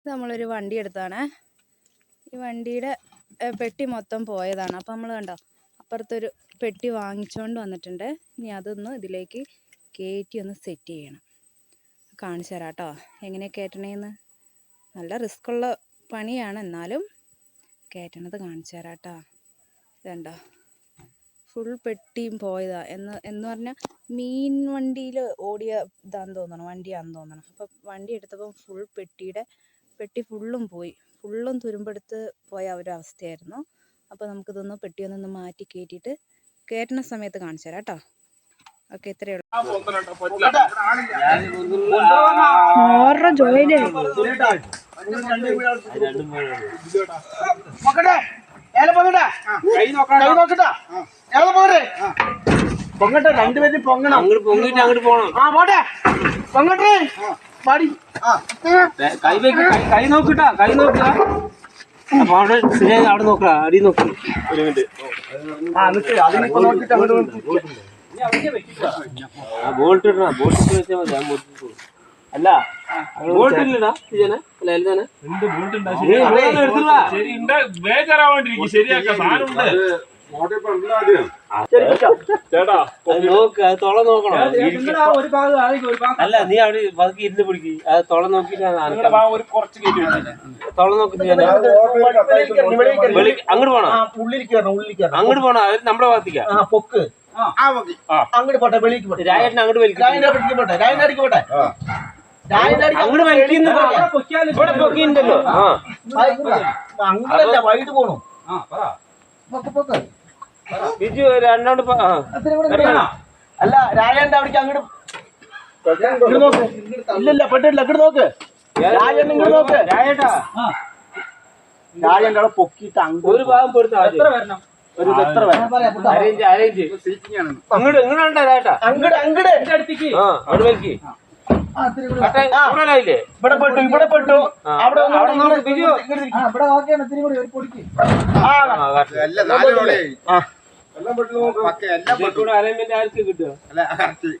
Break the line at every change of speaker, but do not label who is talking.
നമ്മളൊരു വണ്ടി എടുത്താണ്. ഈ വണ്ടിയുടെ പെട്ടി മൊത്തം പോയതാണ്. അപ്പോൾ നമ്മൾ കണ്ടോ അപ്പുറത്തൊരു പെട്ടി വാങ്ങിച്ചുകൊണ്ട് വന്നിട്ടുണ്ട്. ഇനി അതൊന്ന് ഇതിലേക്ക് കയറ്റി ഒന്ന് സെറ്റ് ചെയ്യണം. കാണിച്ചു തരാം കേട്ടോ എങ്ങനെ കയറ്റണേന്ന്. നല്ല റിസ്ക്കുള്ള പണിയാണ്, എന്നാലും കയറ്റണത് കാണിച്ചു തരാം കേട്ടോ. ഇതുണ്ടോ ഫുൾ പെട്ടിയും പോയതാ. എന്ന് പറഞ്ഞാൽ മീൻ വണ്ടിയിൽ ഓടിയ ഇതാന്ന് തോന്നണം, വണ്ടിയാണെന്ന് തോന്നണം. അപ്പോൾ വണ്ടി എടുത്തപ്പം ഫുൾ പെട്ടി ഫുള്ളും പോയി. ഫുള്ളും തുരുമ്പെടുത്ത് പോയ ഒരവസ്ഥയായിരുന്നു. അപ്പോൾ നമുക്കിതൊന്ന് പെട്ടിയൊന്നൊന്ന് മാറ്റി കയറ്റിയിട്ട് കയറ്റുന്ന സമയത്ത് കാണിച്ചു തരാം കേട്ടോ. ഓക്കെ, ഇത്രയേ ഉള്ളൂ. ജോയിലേ
പൊങ്ങട്ടെ, രണ്ടുപേരും പൊങ്ങണം. അങ്ങോട്ട് പൊങ്ങിട്ട് അങ്ങോട്ട് പോണം. ആ പോട്ടെ, പൊങ്ങട്ടെ. പാടി കൈ നോക്കിട്ടാ, കൈ നോക്കുക. അപ്പൊ അവിടെ ശരിയായി അവിടെ നോക്കടാ, അടി നോക്കി. ഒരു മിനിറ്റ്. ബോൾട്ട് ഇടണ, ബോൾട്ട് വെച്ചാൽ മതി. ഞാൻ അല്ല ബോൾട്ട് ഇല്ലടാ ഇജനെ. അല്ല എല്ലാം ശരിയാക്കാം. തൊള നോക്കണം. അല്ല നീ അവിടെ ബാക്കി ഇരുന്ന് പിടിക്ക്. അത് തൊള നോക്കിട്ട് തൊള നോക്കിട്ട് അങ്ങോട്ട് പോണം. അങ്ങോട്ട് പോണം. അവര് നമ്മളെ ഭാഗത്തേക്കാ പൊക്ക്. അങ്ങോട്ട് പോട്ടെ, വെളിക്ക് പോട്ടെ. രായട്ടിന് അങ്ങോട്ട് വലിക്കും. പോട്ടെ, രായനടിക്ക് പോട്ടെ. അങ്ങോട്ട് വലിക്കുന്നു. ഇവിടെ പൊക്കിണ്ടല്ലോ. അങ്ങനല്ല, വൈകിട്ട് പോണു. ബിജു രണ്ടാണ്ട്. അല്ല രാജന്റെ അവിടേക്ക് അങ്ങോട്ട് ഇല്ലല്ല, പെട്ടിട്ടില്ല. അങ്ങോട്ട് നോക്ക്. രാജൻ ഇങ്ങോട്ട് നോക്ക്. രാജന്റെ അവിടെ പൊക്കിട്ട് ഒരു ഭാഗം പൊടുത്ത എത്ര വരണം? ഒരു എത്ര വരണം? അറേഞ്ച് അങ്ങോട്ട് ഇങ്ങോട്ടാ ചേട്ടാ. അങ്ങോട്ട് അടുത്തേക്ക് അവിടെ വലിക്ക്. ഇവിടെ പെട്ടു, ഇവിടെ പെട്ടു. അവിടെ ബിജു ഇവിടെ നോക്കിയാണ്. ഇത്തിരി കൂടി ഒരു പൊടിക്ക്. എല്ലാം അറേഞ്ച്മെന്റ് ആർക്ക് കിട്ടുക?